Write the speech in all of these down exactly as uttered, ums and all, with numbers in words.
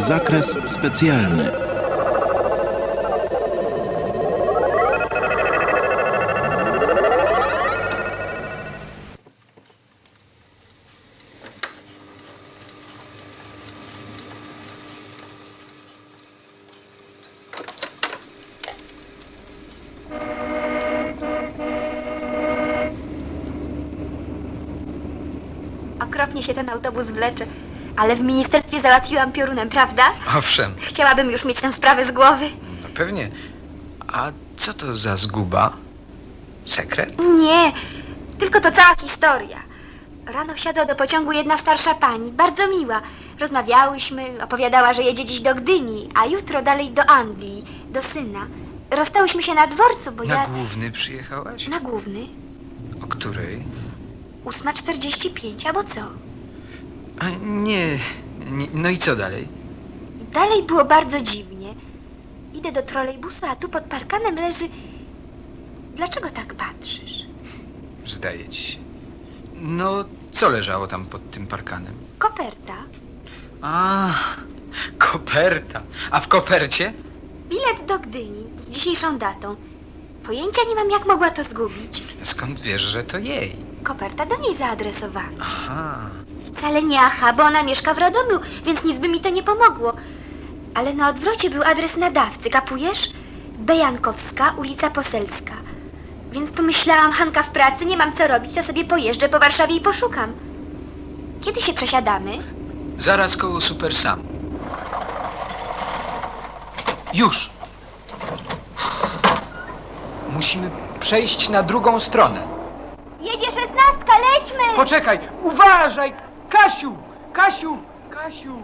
Zakres specjalny. Okropnie się ten autobus wlecze, ale w ministerstwie załatwiłam piorunem, prawda? Owszem, Chciałabym już mieć tę sprawę z głowy. no pewnie. A co to za zguba? Sekret? Nie, tylko to cała historia. Rano wsiadła do pociągu jedna starsza pani, bardzo miła. Rozmawiałyśmy, opowiadała, że jedzie dziś do Gdyni, a jutro dalej do Anglii, do syna. Rozstałyśmy się na dworcu, bo Na ja... główny przyjechałaś? Na główny. O której? Ósma czterdzieści pięć, albo co? A nie, nie. No i co dalej? Dalej było bardzo dziwnie. Idę do trolejbusu, a tu pod parkanem leży... Dlaczego tak patrzysz? Zdaje ci się. No, co leżało tam pod tym parkanem? Koperta. A, koperta. A w kopercie? Bilet do Gdyni z dzisiejszą datą. Pojęcia nie mam, jak mogła to zgubić. Skąd wiesz, że to jej? Koperta do niej zaadresowana. Aha. Wcale nie aha, bo ona mieszka w Radomiu, więc nic by mi to nie pomogło. Ale na odwrocie był adres nadawcy, kapujesz? Bejankowska, ulica Poselska. Więc pomyślałam, Hanka w pracy, nie mam co robić, to sobie pojeżdżę po Warszawie i poszukam. Kiedy się przesiadamy? Zaraz koło Super Sam. Już. Musimy przejść na drugą stronę. Jedzie szesnastka, lećmy! Poczekaj, uważaj! Kasiu! Kasiu! Kasiu!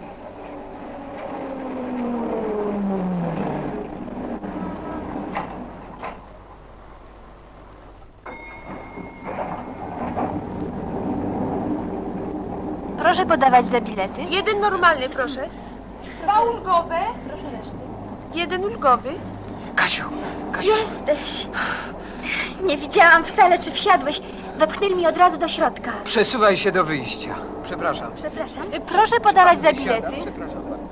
Proszę podawać za bilety. Jeden normalny, proszę. Dwa ulgowe. Proszę reszty. Jeden ulgowy. Kasiu! Kasiu! Jesteś. Nie widziałam wcale, czy wsiadłeś. Wepchnęli mnie od razu do środka. Przesuwaj się do wyjścia. Przepraszam. Przepraszam. Proszę podawać za bilety. Przepraszam bardzo.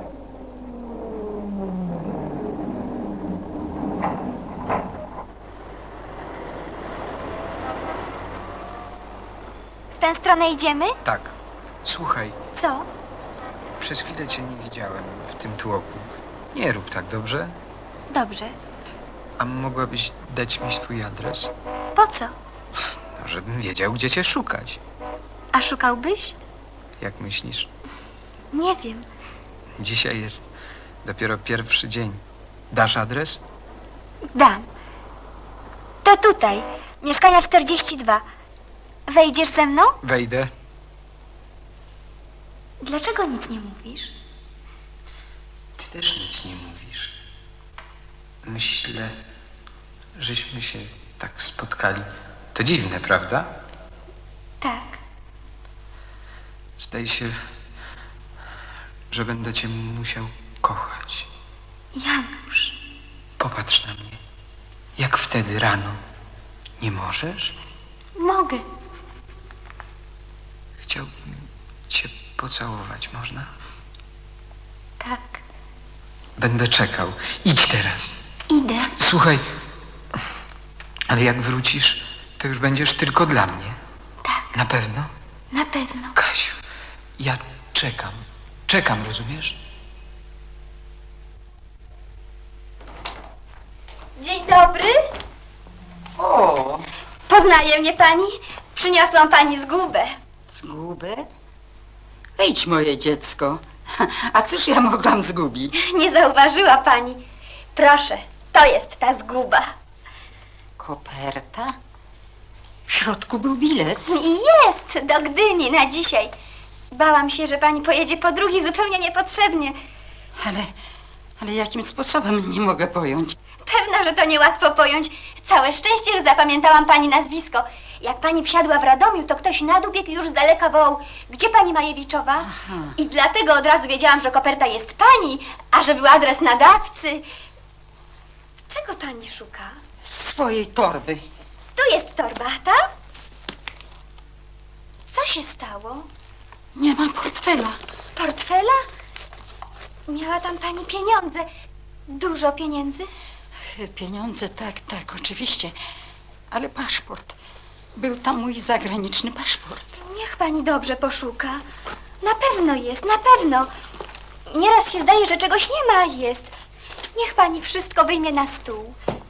W tę stronę idziemy? Tak. Słuchaj, Co? przez chwilę cię nie widziałem w tym tłoku. Nie rób tak, dobrze? Dobrze. A mogłabyś dać mi swój adres? Po co? No, żebym wiedział, gdzie cię szukać. A szukałbyś? Jak myślisz? Nie wiem. Dzisiaj jest dopiero pierwszy dzień. Dasz adres? Dam. To tutaj. Mieszkania czterdzieści dwa. Wejdziesz ze mną? Wejdę. Dlaczego nic nie mówisz? Ty też nic nie mówisz. Myślę, żeśmy się tak spotkali. To dziwne, prawda? Tak. Zdaje się, że będę cię musiał kochać. Janusz. Popatrz na mnie. Jak wtedy rano. Nie możesz? Mogę. Chciałbym cię pocałować, można? Tak. Będę czekał. Idź teraz. Idę. Słuchaj, ale jak wrócisz, to już będziesz tylko dla mnie. Tak. Na pewno? Na pewno. Kasiu, ja czekam. Czekam, rozumiesz? Dzień dobry. O, Poznaje mnie pani? Przyniosłam pani zgubę. zgubę? Wejdź, moje dziecko. A cóż ja mogłam zgubić? Nie zauważyła pani. Proszę, to jest ta zguba. Koperta? W środku był bilet. I jest, do Gdyni na dzisiaj. Bałam się, że pani pojedzie po drugi zupełnie niepotrzebnie. Ale, ale jakim sposobem nie mogę pojąć? Pewno, że to niełatwo pojąć. Całe szczęście, że zapamiętałam pani nazwisko. Jak pani wsiadła w Radomiu, to ktoś na dół biegł i już z daleka wołał: gdzie pani Majewiczowa? Aha. I dlatego od razu wiedziałam, że koperta jest pani, a że był adres nadawcy. Czego pani szuka? Swojej torby. Tu jest torbata. Co się stało? Nie mam portfela. Portfela? Miała tam pani pieniądze. Dużo pieniędzy? Pieniądze, tak, tak, oczywiście. Ale paszport. Był tam mój zagraniczny paszport. Niech pani dobrze poszuka. Na pewno jest, na pewno. Nieraz się zdaje, że czegoś nie ma, a jest. Niech pani wszystko wyjmie na stół.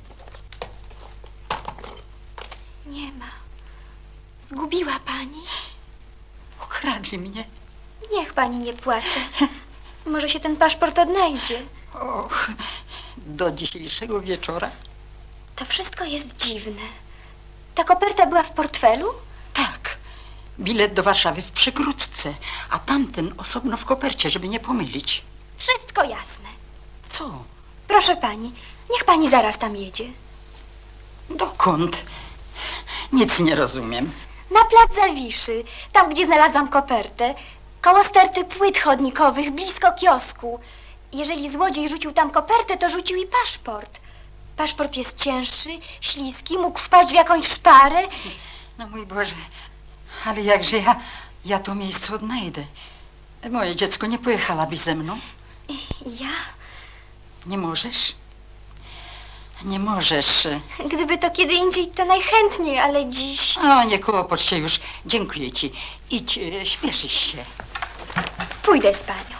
Nie ma. Zgubiła pani? Ukradli mnie. Niech pani nie płacze. Może się ten paszport odnajdzie. Och, do dzisiejszego wieczora? To wszystko jest dziwne. Ta koperta była w portfelu? Tak. Bilet do Warszawy w przegródce, a tamten osobno w kopercie, żeby nie pomylić. Wszystko jasne. Co? Proszę pani, niech pani zaraz tam jedzie. Dokąd? Nic nie rozumiem. Na plac Zawiszy, tam gdzie znalazłam kopertę, koło sterty płyt chodnikowych, blisko kiosku. Jeżeli złodziej rzucił tam kopertę, to rzucił i paszport. Paszport jest cięższy, śliski, mógł wpaść w jakąś szparę. No mój Boże, ale jakże ja, ja to miejsce odnajdę? Moje dziecko, nie pojechałabyś ze mną? Ja? Nie możesz? Nie możesz. Gdyby to kiedy indziej, to najchętniej, ale dziś... O, nie kłopocz się już. Dziękuję ci. Idź, e, śpieszysz się. Pójdę z panią.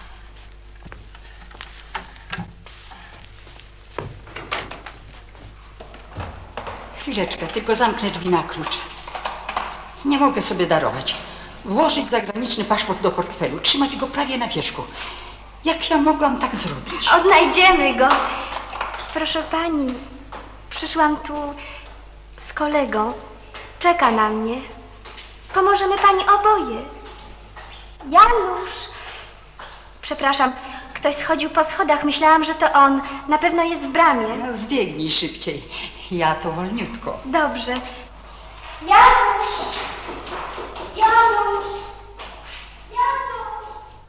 Chwileczkę, tylko zamknę drzwi na klucz. Nie mogę sobie darować. Włożyć zagraniczny paszport do portfelu, trzymać go prawie na wierzchu. Jak ja mogłam tak zrobić? Odnajdziemy go. Proszę pani, przyszłam tu z kolegą. Czeka na mnie. Pomożemy pani oboje. Janusz! Przepraszam, ktoś schodził po schodach. Myślałam, że to on. Na pewno jest w bramie. No, zbiegnij szybciej. Ja to wolniutko. Dobrze. Janusz! Janusz! Janusz!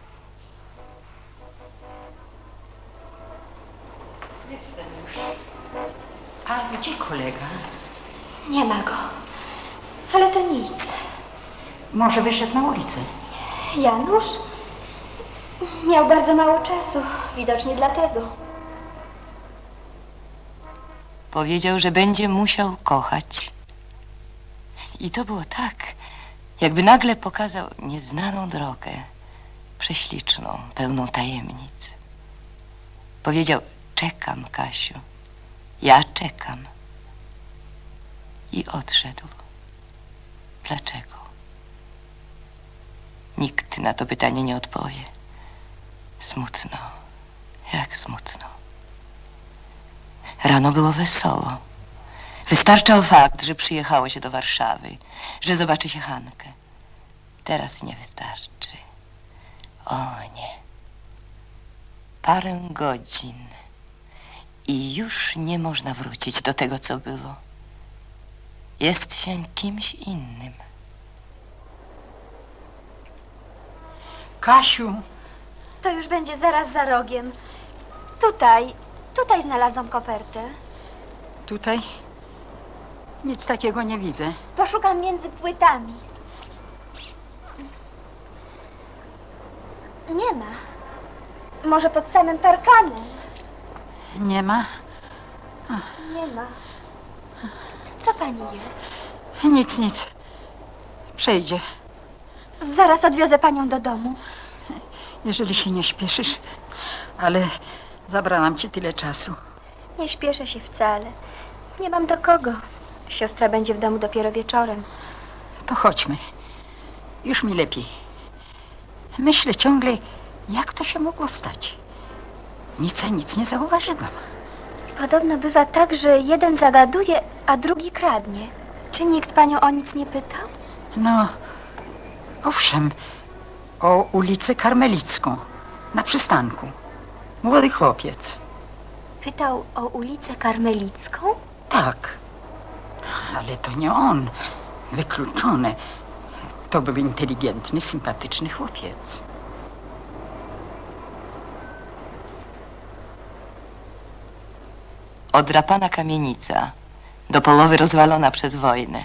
Jestem już. A gdzie kolega? Nie ma go. Ale to nic. Może wyszedł na ulicę? Janusz? Miał bardzo mało czasu. Widocznie dlatego. Powiedział, że będzie musiał kochać. I to było tak, jakby nagle pokazał nieznaną drogę, prześliczną, pełną tajemnic. Powiedział, czekam, Kasiu, ja czekam. I odszedł. Dlaczego? Nikt na to pytanie nie odpowie. Smutno, jak smutno. Rano było wesoło. Wystarczał fakt, że przyjechało się do Warszawy, że zobaczy się Hankę. Teraz nie wystarczy. O nie. Parę godzin i już nie można wrócić do tego, co było. Jest się kimś innym. Kasiu, To już będzie zaraz za rogiem. Tutaj, tutaj znalazłam kopertę. tutaj nic takiego nie widzę. Poszukam między płytami. Nie ma. Może pod samym parkanem? Nie ma? Nie ma. Co pani jest? Nic, nic. Przejdzie. Zaraz odwiozę panią do domu. Jeżeli się nie śpieszysz, ale zabrałam ci tyle czasu. Nie śpieszę się wcale. Nie mam do kogo. Siostra będzie w domu dopiero wieczorem. To chodźmy. Już mi lepiej. Myślę ciągle, jak to się mogło stać. Nic, a nic nie zauważyłam. Podobno bywa tak, że jeden zagaduje, a drugi kradnie. Czy nikt panią o nic nie pytał? No, owszem, o ulicę Karmelicką, na przystanku. Młody chłopiec. Pytał o ulicę Karmelicką? Tak, ale to nie on. Wykluczone. To był inteligentny, sympatyczny chłopiec. Odrapana kamienica, do połowy rozwalona przez wojnę.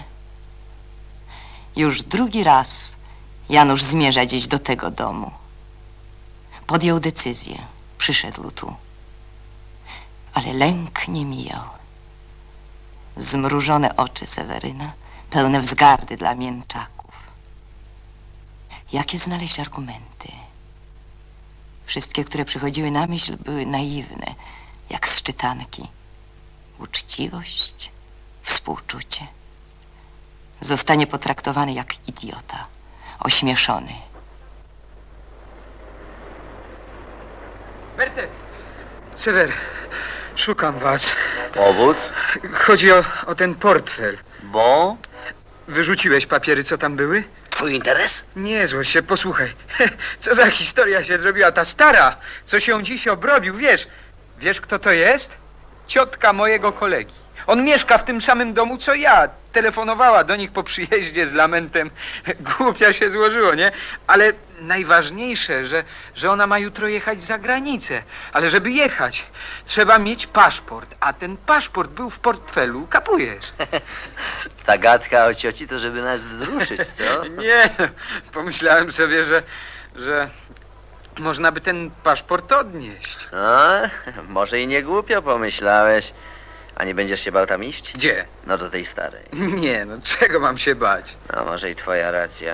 Już drugi raz Janusz zmierza dziś do tego domu. Podjął decyzję. Przyszedł tu. Ale lęk nie mijał. Zmrużone oczy Seweryna, pełne wzgardy dla mięczaków. Jakie znaleźć argumenty? Wszystkie, które przychodziły na myśl, były naiwne, jak z czytanki. Uczciwość, współczucie. Zostanie potraktowany jak idiota, ośmieszony. Bertek! Sewer, szukam was. Powód? Chodzi o, o ten portfel. Bo? Wyrzuciłeś papiery, co tam były? Twój interes? Nie złość się, posłuchaj. Co za historia się zrobiła ta stara, co się dziś obrobił, wiesz? Wiesz, kto to jest? Ciotka mojego kolegi. On mieszka w tym samym domu, co ja. Telefonowała do nich po przyjeździe z lamentem. Głupia się złożyło, nie? Ale najważniejsze, że, że ona ma jutro jechać za granicę. Ale żeby jechać, trzeba mieć paszport. A ten paszport był w portfelu, kapujesz? Ta gadka o cioci to żeby nas wzruszyć, co? Nie, no, pomyślałem sobie, że, że można by ten paszport odnieść. A, może i nie głupio pomyślałeś. A nie będziesz się bał tam iść? Gdzie? No do tej starej. Nie, no czego mam się bać? No może i twoja racja.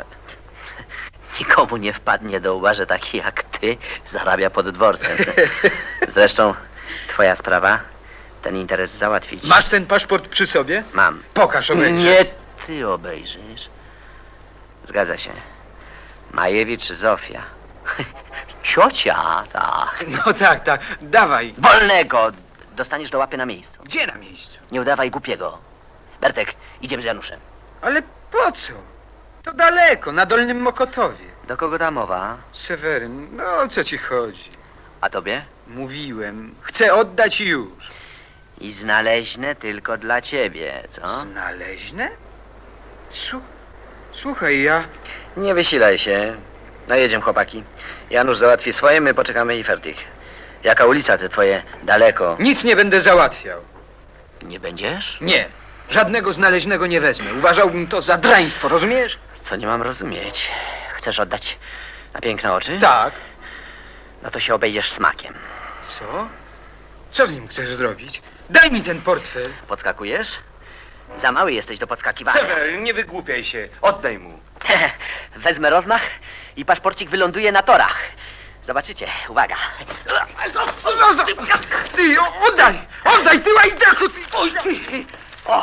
Nikomu nie wpadnie do łba, że taki jak ty zarabia pod dworcem. Zresztą twoja sprawa, ten interes załatwić. Masz ten paszport przy sobie? Mam. Pokaż, obejrzę. Nie ty obejrzysz. Zgadza się. Majewicz Zofia. Ciocia, tak. No tak, tak, dawaj. Wolnego! Dostaniesz do łapy na miejscu. Gdzie na miejscu? Nie udawaj głupiego. Bertek, idziemy z Januszem. Ale po co? To daleko, na Dolnym Mokotowie. Do kogo ta mowa? Seweryn, no o co ci chodzi? A tobie? Mówiłem, chcę oddać już. I znaleźne tylko dla ciebie, co? Znaleźne? Słu- Słuchaj, ja... Nie wysilaj się. No jedziemy, chłopaki. Janusz załatwi swoje, my poczekamy i fertig. Jaka ulica te twoje daleko? Nic nie będę załatwiał. Nie będziesz? Nie, żadnego znaleźnego nie wezmę. Uważałbym to za draństwo, rozumiesz? Co nie mam rozumieć? Chcesz oddać na piękne oczy? Tak. No to się obejdziesz smakiem. Co? Co z nim chcesz zrobić? Daj mi ten portfel. Podskakujesz? Za mały jesteś do podskakiwania. Sewer, nie wygłupiaj się. Oddaj mu. Wezmę rozmach i paszporcik wyląduje na torach. Zobaczycie, uwaga. Ty, o- oddaj! Oddaj, ty łajdaku! Oj, ty! O!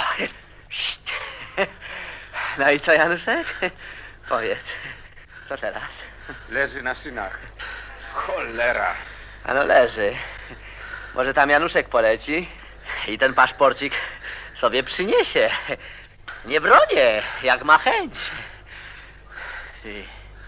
No i co, Januszek? Powiedz, co teraz? Leży na szynach. Cholera. Ano leży. Może tam Januszek poleci i ten paszporcik sobie przyniesie. Nie bronię, jak ma chęć. Ty.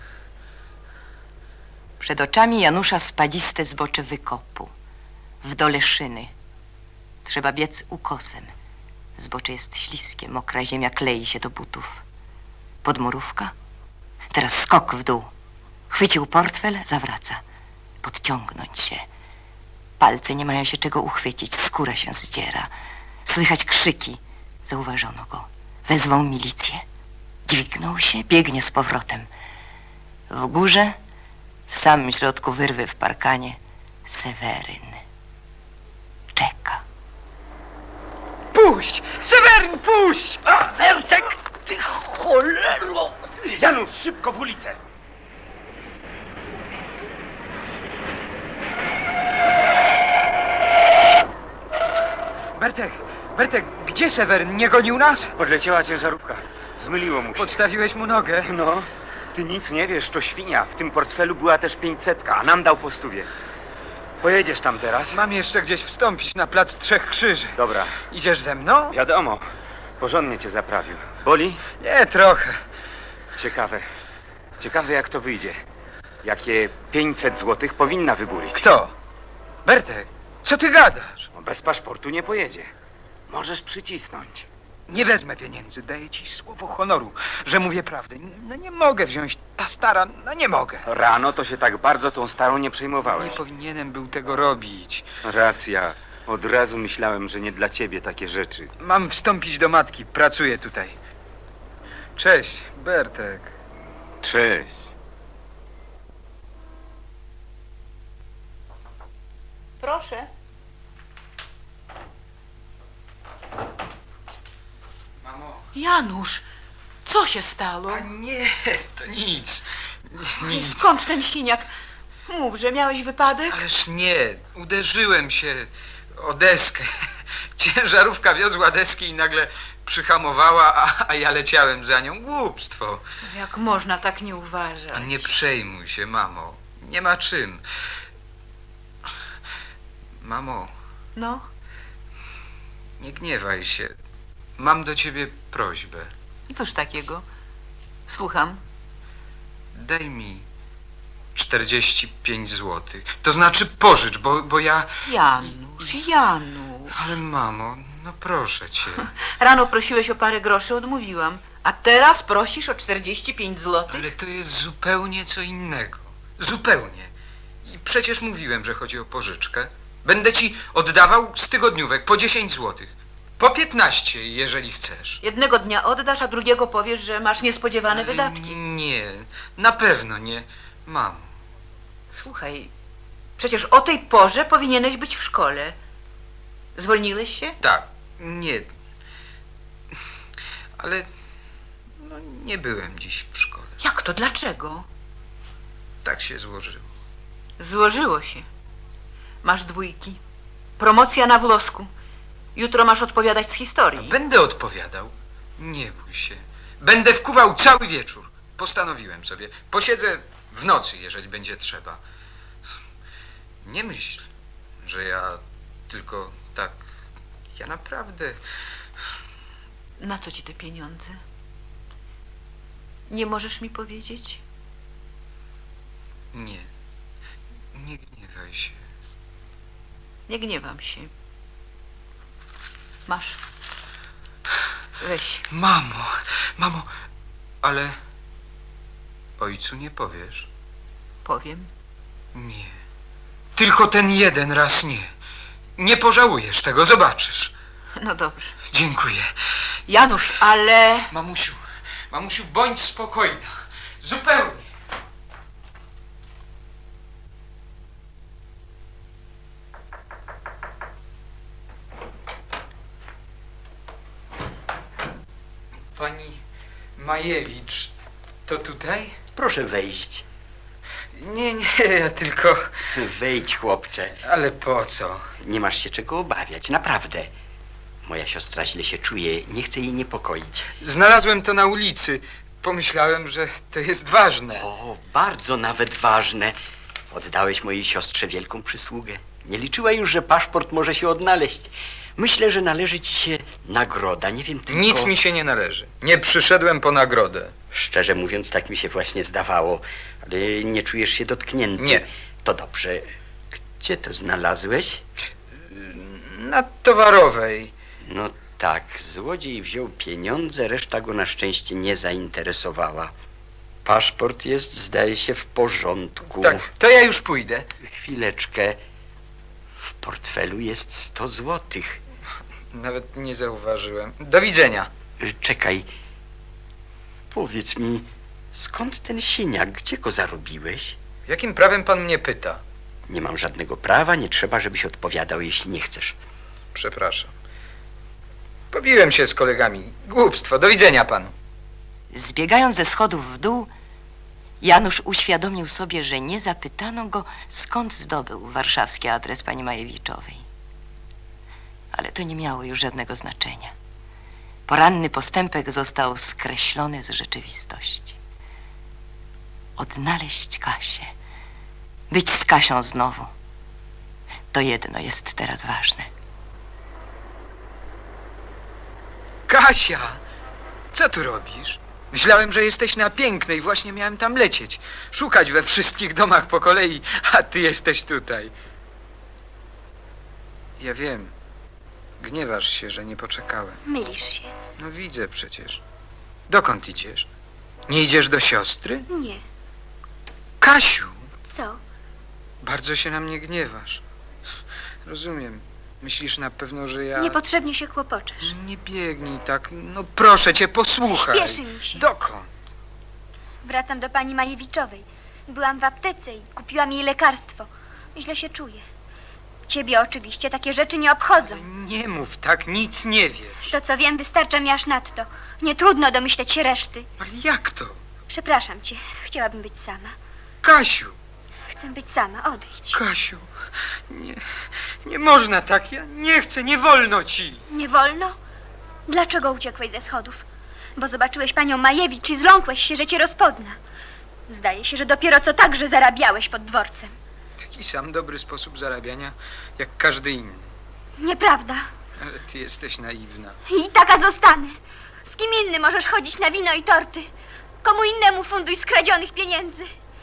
Przed oczami Janusza spadziste zbocze wykopu. W dole szyny. Trzeba biec ukosem. Zbocze jest śliskie, mokra ziemia klei się do butów. Podmurówka. Teraz skok w dół. Chwycił portfel, zawraca. Podciągnąć się. Palce nie mają się czego uchwycić, skóra się zdziera. Słychać krzyki. Zauważono go. Wezwą milicję. Dźwignął się, biegnie z powrotem. W górze, w samym środku wyrwy w parkanie, Seweryn. Czeka. Puść! Seweryn, puść! A, Bertek, ty cholero! Janusz, szybko w ulicę. Bertek, Bertek, gdzie Seweryn? Nie gonił nas? Podleciała ciężarówka. Zmyliło mu się. Podstawiłeś mu nogę. No, ty nic nie wiesz, to świnia. W tym portfelu była też pięćsetka, a nam dał po stówie. Pojedziesz tam teraz? Mam jeszcze gdzieś wstąpić na plac Trzech Krzyży. Dobra, Idziesz ze mną? wiadomo. Porządnie cię zaprawił. Boli? Nie, trochę. Ciekawe. Ciekawe jak to wyjdzie. Jakie pięćset złotych powinna wyburić. Kto? Bertek, co ty gadasz? No, bez paszportu nie pojedzie. Możesz przycisnąć. Nie wezmę pieniędzy, daję ci słowo honoru, że mówię prawdę. No nie mogę wziąć, ta stara, no nie mogę. Rano to się tak bardzo tą starą nie przejmowałeś. Nie powinienem był tego robić. Racja. Od razu myślałem, że nie dla ciebie takie rzeczy. Mam wstąpić do matki, pracuję tutaj. Cześć, Bertek. Cześć. Proszę. Mamo. Janusz, co się stało? A nie, to nic. Nic. Skąd ten siniak? Mów, że miałeś wypadek? Ależ nie, uderzyłem się o deskę. Ciężarówka wiozła deski i nagle przyhamowała, a, a ja leciałem za nią. Głupstwo. Jak można tak nie uważać? Nie przejmuj się, mamo. Nie ma czym. Mamo, No, nie gniewaj się. Mam do ciebie prośbę. cóż takiego? Słucham. Daj mi czterdzieści pięć złotych. To znaczy pożycz, bo, bo ja... Janusz, Janusz. Ale mamo, no proszę cię. Rano prosiłeś o parę groszy, odmówiłam. A teraz prosisz o czterdzieści pięć złotych? Ale to jest zupełnie co innego. Zupełnie. I przecież mówiłem, że chodzi o pożyczkę. Będę ci oddawał z tygodniówek po dziesięć złotych. Po piętnaście, jeżeli chcesz. Jednego dnia oddasz, a drugiego powiesz, że masz niespodziewane Ale wydatki. Nie, na pewno nie. Mamo. Słuchaj, przecież o tej porze powinieneś być w szkole. Zwolniłeś się? Tak, nie. Ale no, nie byłem dziś w szkole. Jak to? Dlaczego? Tak się złożyło. Złożyło się. Masz dwójki. Promocja na wlosku. Jutro masz odpowiadać z historii. Będę odpowiadał. Nie bój się. Będę wkuwał cały wieczór. Postanowiłem sobie. Posiedzę w nocy, jeżeli będzie trzeba. Nie myśl, że ja tylko tak... Ja naprawdę... Na co ci te pieniądze? Nie możesz mi powiedzieć? Nie. Nie gniewaj się. Nie gniewam się. Masz. Weź. Mamo, mamo, ale... Ojcu nie powiesz? Powiem. Nie. Tylko ten jeden raz nie. Nie pożałujesz tego, zobaczysz. No dobrze. Dziękuję. Janusz, ale... Mamusiu, mamusiu, bądź spokojna. Zupełnie. Pani Majewicz, to tutaj? Proszę wejść. Nie, nie, ja tylko... Wejdź, chłopcze. Ale po co? Nie masz się czego obawiać, naprawdę. Moja siostra źle się czuje, nie chcę jej niepokoić. Znalazłem to na ulicy. Pomyślałem, że to jest ważne. O, bardzo nawet ważne. Oddałeś mojej siostrze wielką przysługę. Nie liczyła już, że paszport może się odnaleźć. Myślę, że należy ci się nagroda, nie wiem tylko... Nic mi się nie należy. Nie przyszedłem po nagrodę. Szczerze mówiąc, tak mi się właśnie zdawało, ale nie czujesz się dotknięty. Nie. To dobrze. Gdzie to znalazłeś? Na Towarowej. No tak, złodziej wziął pieniądze, reszta go na szczęście nie zainteresowała. Paszport jest, zdaje się, w porządku. Tak, to ja już pójdę. Chwileczkę. W portfelu jest sto złotych. Nawet nie zauważyłem. Do widzenia. Y, Czekaj. Powiedz mi, skąd ten siniak? Gdzie go zarobiłeś? Jakim prawem pan mnie pyta? Nie mam żadnego prawa, nie trzeba, żebyś odpowiadał, jeśli nie chcesz. Przepraszam. Pobiłem się z kolegami. Głupstwo. Do widzenia panu. Zbiegając ze schodów w dół, Janusz uświadomił sobie, że nie zapytano go, skąd zdobył warszawski adres pani Majewiczowej. Ale to nie miało już żadnego znaczenia. Poranny postępek został skreślony z rzeczywistości. Odnaleźć Kasię, być z Kasią znowu, to jedno jest teraz ważne. Kasia! Co tu robisz? Myślałem, że jesteś na Pięknej. Właśnie miałem tam lecieć. Szukać we wszystkich domach po kolei, a ty jesteś tutaj. Ja wiem. Gniewasz się, że nie poczekałem. Mylisz się. No widzę przecież. Dokąd idziesz? Nie idziesz do siostry? Nie. Kasiu! Co? Bardzo się na mnie gniewasz. Rozumiem. Myślisz na pewno, że ja... Niepotrzebnie się kłopoczesz. Nie biegnij tak. No proszę cię, posłuchaj. Śpieszy mi się. Dokąd? Wracam do pani Majewiczowej. Byłam w aptece i kupiłam jej lekarstwo. Źle się czuję. Ciebie oczywiście takie rzeczy nie obchodzą. Nie mów tak, nic nie wiesz. To, co wiem, wystarcza mi aż nadto. Nie trudno domyśleć się reszty. Ale jak to? Przepraszam cię, chciałabym być sama. Kasiu, Chcę być sama, odejdź. Kasiu, nie, nie można tak, ja nie chcę, nie wolno ci. Nie wolno? Dlaczego uciekłeś ze schodów? Bo zobaczyłeś panią Majewicz i zląkłeś się, że cię rozpozna. Zdaje się, że dopiero co także zarabiałeś pod dworcem. Taki sam dobry sposób zarabiania, jak każdy inny. Nieprawda. Ale ty jesteś naiwna. I taka zostanę. Z kim innym możesz chodzić na wino i torty? Komu innemu funduj skradzionych pieniędzy?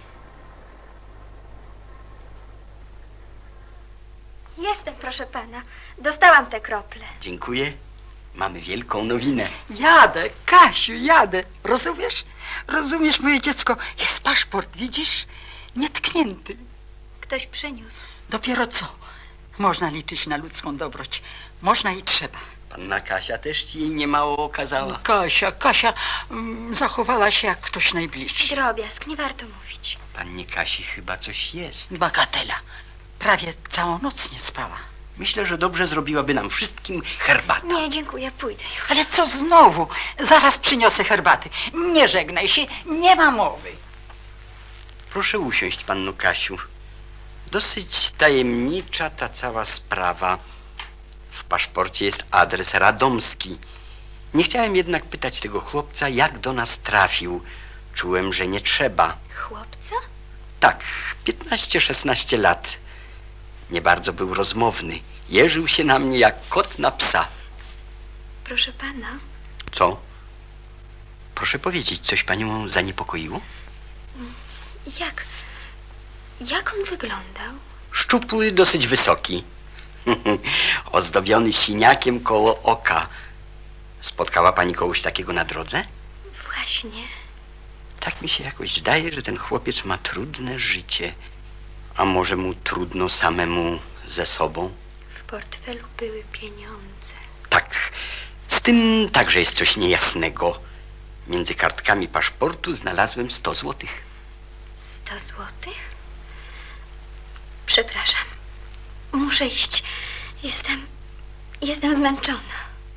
Jestem, proszę pana. Dostałam te krople. Dziękuję. Mamy wielką nowinę. Jadę, Kasiu, jadę. Rozumiesz? Rozumiesz, moje dziecko? Jest paszport, widzisz? Nietknięty. Ktoś przyniósł. Dopiero co? Można liczyć na ludzką dobroć. Można i trzeba. Panna Kasia też ci jej niemało okazała. Kasia, Kasia mm, zachowała się jak ktoś najbliższy. Drobiazg, nie warto mówić. Pannie Kasi chyba coś jest. Bagatela. Prawie całą noc nie spała. Myślę, że dobrze zrobiłaby nam wszystkim herbata. Nie, dziękuję, pójdę już. Ale co znowu? Zaraz przyniosę herbaty. Nie żegnaj się, nie ma mowy. Proszę usiąść, panno Kasiu. Dosyć tajemnicza ta cała sprawa. W paszporcie jest adres radomski. Nie chciałem jednak pytać tego chłopca, jak do nas trafił. Czułem, że nie trzeba. Chłopca? Tak, piętnaście szesnaście lat. Nie bardzo był rozmowny. Jeżył się na mnie jak kot na psa. Proszę pana, Co? Proszę powiedzieć, coś panią zaniepokoiło? jak... Jak on wyglądał? Szczupły, dosyć wysoki. Ozdobiony siniakiem koło oka. Spotkała pani kogoś takiego na drodze? Właśnie. Tak mi się jakoś zdaje, że ten chłopiec ma trudne życie. A może mu trudno samemu ze sobą? W portfelu były pieniądze. Tak, z tym także jest coś niejasnego. Między kartkami paszportu znalazłem sto złotych. Sto złotych? Przepraszam. Muszę iść. Jestem... Jestem zmęczona.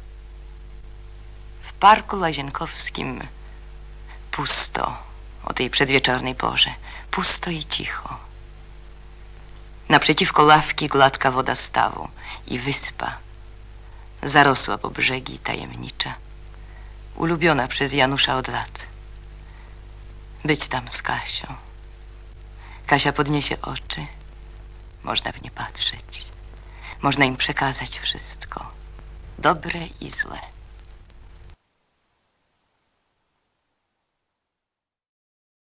W parku Łazienkowskim pusto o tej przedwieczornej porze. Pusto i cicho. Naprzeciwko ławki gładka woda stawu i wyspa. Zarosła po brzegi i tajemnicza. Ulubiona przez Janusza od lat. Być tam z Kasią. Kasia podniesie oczy. Można w nie patrzeć. Można im przekazać wszystko. Dobre i złe.